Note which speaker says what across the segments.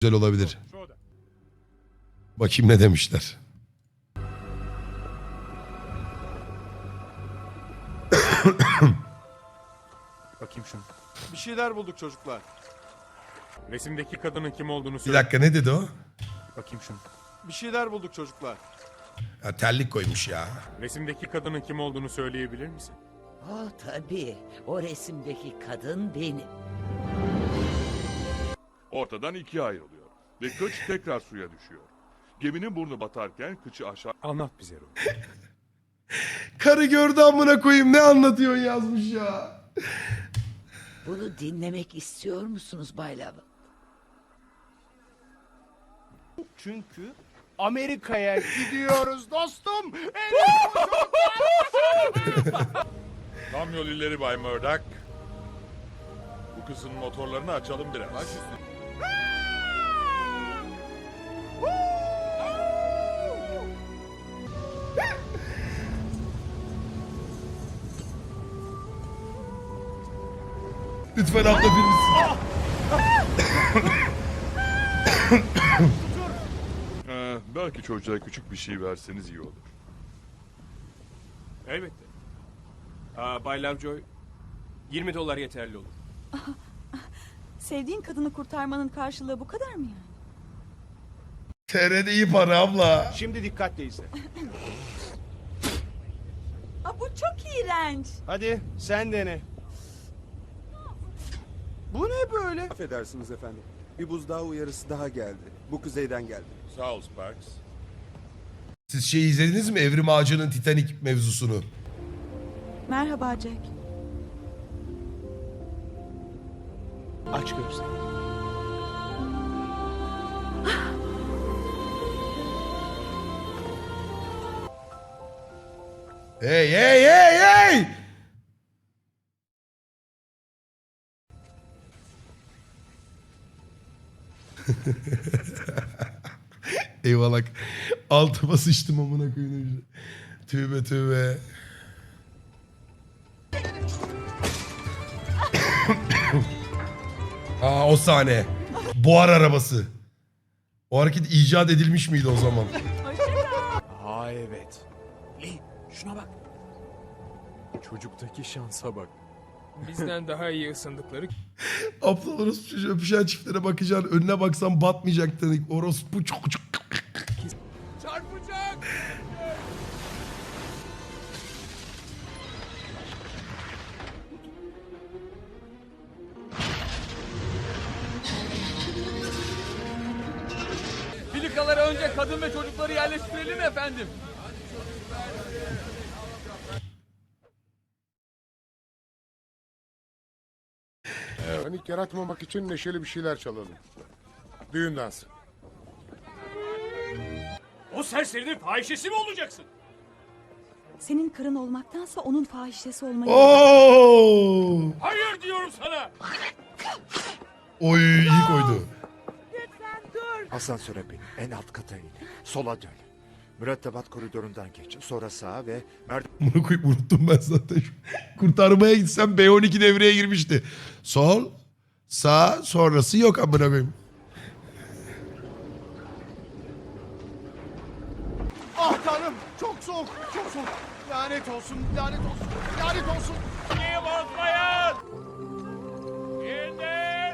Speaker 1: Güzel olabilir. Bakayım ne demişler.
Speaker 2: Bakayım şunu.
Speaker 3: Bir şeyler bulduk çocuklar.
Speaker 2: Resimdeki kadının kim olduğunu
Speaker 1: Bir
Speaker 2: söyle.
Speaker 1: dakika ne dedi o?
Speaker 2: Bakayım şunu.
Speaker 3: Bir şeyler bulduk çocuklar.
Speaker 1: Ya, terlik koymuş ya.
Speaker 2: Resimdeki kadının kim olduğunu söyleyebilir misin?
Speaker 4: Tabii. O resimdeki kadın benim.
Speaker 5: Ortadan ikiye ayrılıyor ve kıç tekrar suya düşüyor. Geminin burnu batarken kıçı aşağı
Speaker 2: Anlat bize Roy.
Speaker 1: Karı gördü amına koyayım, ne anlatıyorsun yazmış ya.
Speaker 4: Bunu dinlemek istiyor musunuz Bay Love?
Speaker 3: Çünkü Amerika'ya gidiyoruz dostum.
Speaker 5: Tam yol ileri Bay Murdoch. Bu kızın motorlarını açalım biraz.
Speaker 1: Lütfen abla birisi.
Speaker 5: Belki çocuğa küçük bir şey verseniz iyi olur.
Speaker 6: Elbette. Bay Lovejoy, $20 yeterli olur.
Speaker 7: Sevdiğin kadını kurtarmanın karşılığı bu kadar mı yani?
Speaker 1: TR'de iyi para abla.
Speaker 3: Şimdi dikkatle izle.
Speaker 7: Bu çok iğrenç.
Speaker 3: Hadi sen dene. Bu ne böyle?
Speaker 8: Affedersiniz efendim. Bir buzdağı uyarısı daha geldi. Bu kuzeyden geldi.
Speaker 5: Sağ ol Sparks.
Speaker 1: Siz şey izlediniz mi? Evrim Ağacı'nın Titanic mevzusunu.
Speaker 7: Merhaba Jack.
Speaker 3: Aç gözlerini.
Speaker 1: Hey hey hey hey! Eyvallah. Altıma sıçtım amına koyayım. Tövbe tövbe. O sahne. Buhar arabası. O hareket icat edilmiş miydi o zaman?
Speaker 3: Aa evet.
Speaker 2: Şuna bak. Çocuktaki şansa bak.
Speaker 6: Bizden daha iyi ısındıkları
Speaker 1: Aptal orospu çocuğu öpüşen çiftlere bakacaksın. Önüne baksan batmayacak dedik. Orospu çok.
Speaker 6: çarpacak. Filikalara önce kadın ve çocukları yerleştirelim efendim.
Speaker 9: Panik yaratmamak için neşeli bir şeyler çalalım. Düğün dansı.
Speaker 6: O serserinin fahişesi mi olacaksın?
Speaker 7: Senin karın olmaktansa onun fahişesi olmayı...
Speaker 1: Oo!
Speaker 6: Hayır diyorum sana.
Speaker 1: Oy iyi koydu.
Speaker 8: Asansöre bin. En alt kata in. Sola dön. Mürettebat koridorundan geç. Sonra sağa ve
Speaker 1: Bunu koyup unuttum ben zaten. Kurtarmaya gitsem B12 devreye girmişti. Sol, sağ, sonrası yok amına koyayım.
Speaker 3: Ah tanrım çok soğuk çok soğuk. Lanet olsun lanet olsun lanet olsun.
Speaker 6: Niye bozmayın? İndir.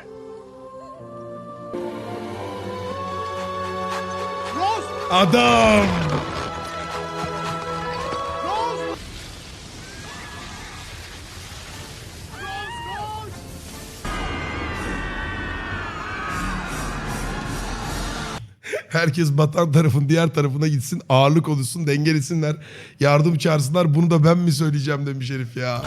Speaker 3: Rose!
Speaker 1: Adam!
Speaker 3: Rose! Rose!
Speaker 1: Herkes batan tarafın diğer tarafına gitsin, ağırlık oluşsun, dengelesinler, yardım çağırsınlar. Bunu da ben mi söyleyeceğim demiş herif ya.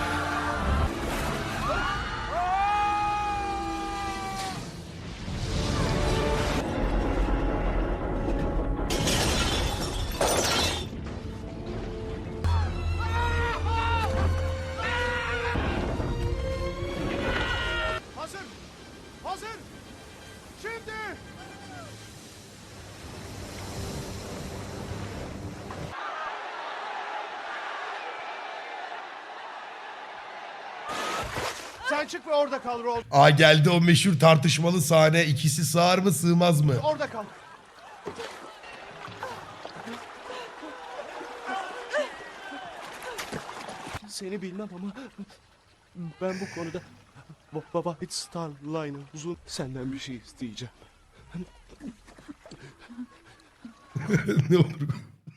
Speaker 3: Hazır! Hazır! Şimdi! Sen Sen çık ve orada kal Rolf.
Speaker 1: Aa geldi o meşhur tartışmalı sahne. İkisi sığar mı sığmaz mı?
Speaker 3: Orada kal. Seni bilmem ama ben bu konuda White Star Line'ın uzun senden bir şey isteyeceğim.
Speaker 1: Ne olur.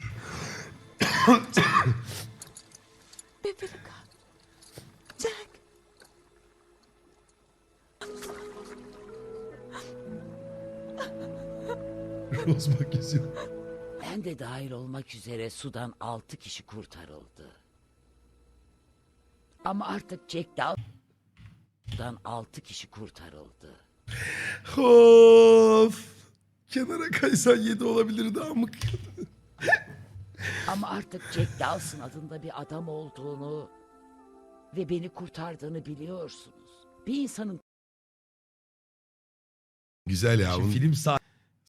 Speaker 7: Bebeğim. Jack.
Speaker 1: Rose bak yazıyor.
Speaker 4: Ben de dahil olmak üzere sudan 6 kişi kurtarıldı. Ama artık Jack Dawson'dan 6 kişi kurtarıldı.
Speaker 1: Of. Kenara kaysan 7 olabilirdi amık.
Speaker 4: Ama artık Jack Dawson adında bir adam olduğunu ve beni kurtardığını biliyorsunuz. Bir insanın
Speaker 1: Güzel ya.
Speaker 10: Film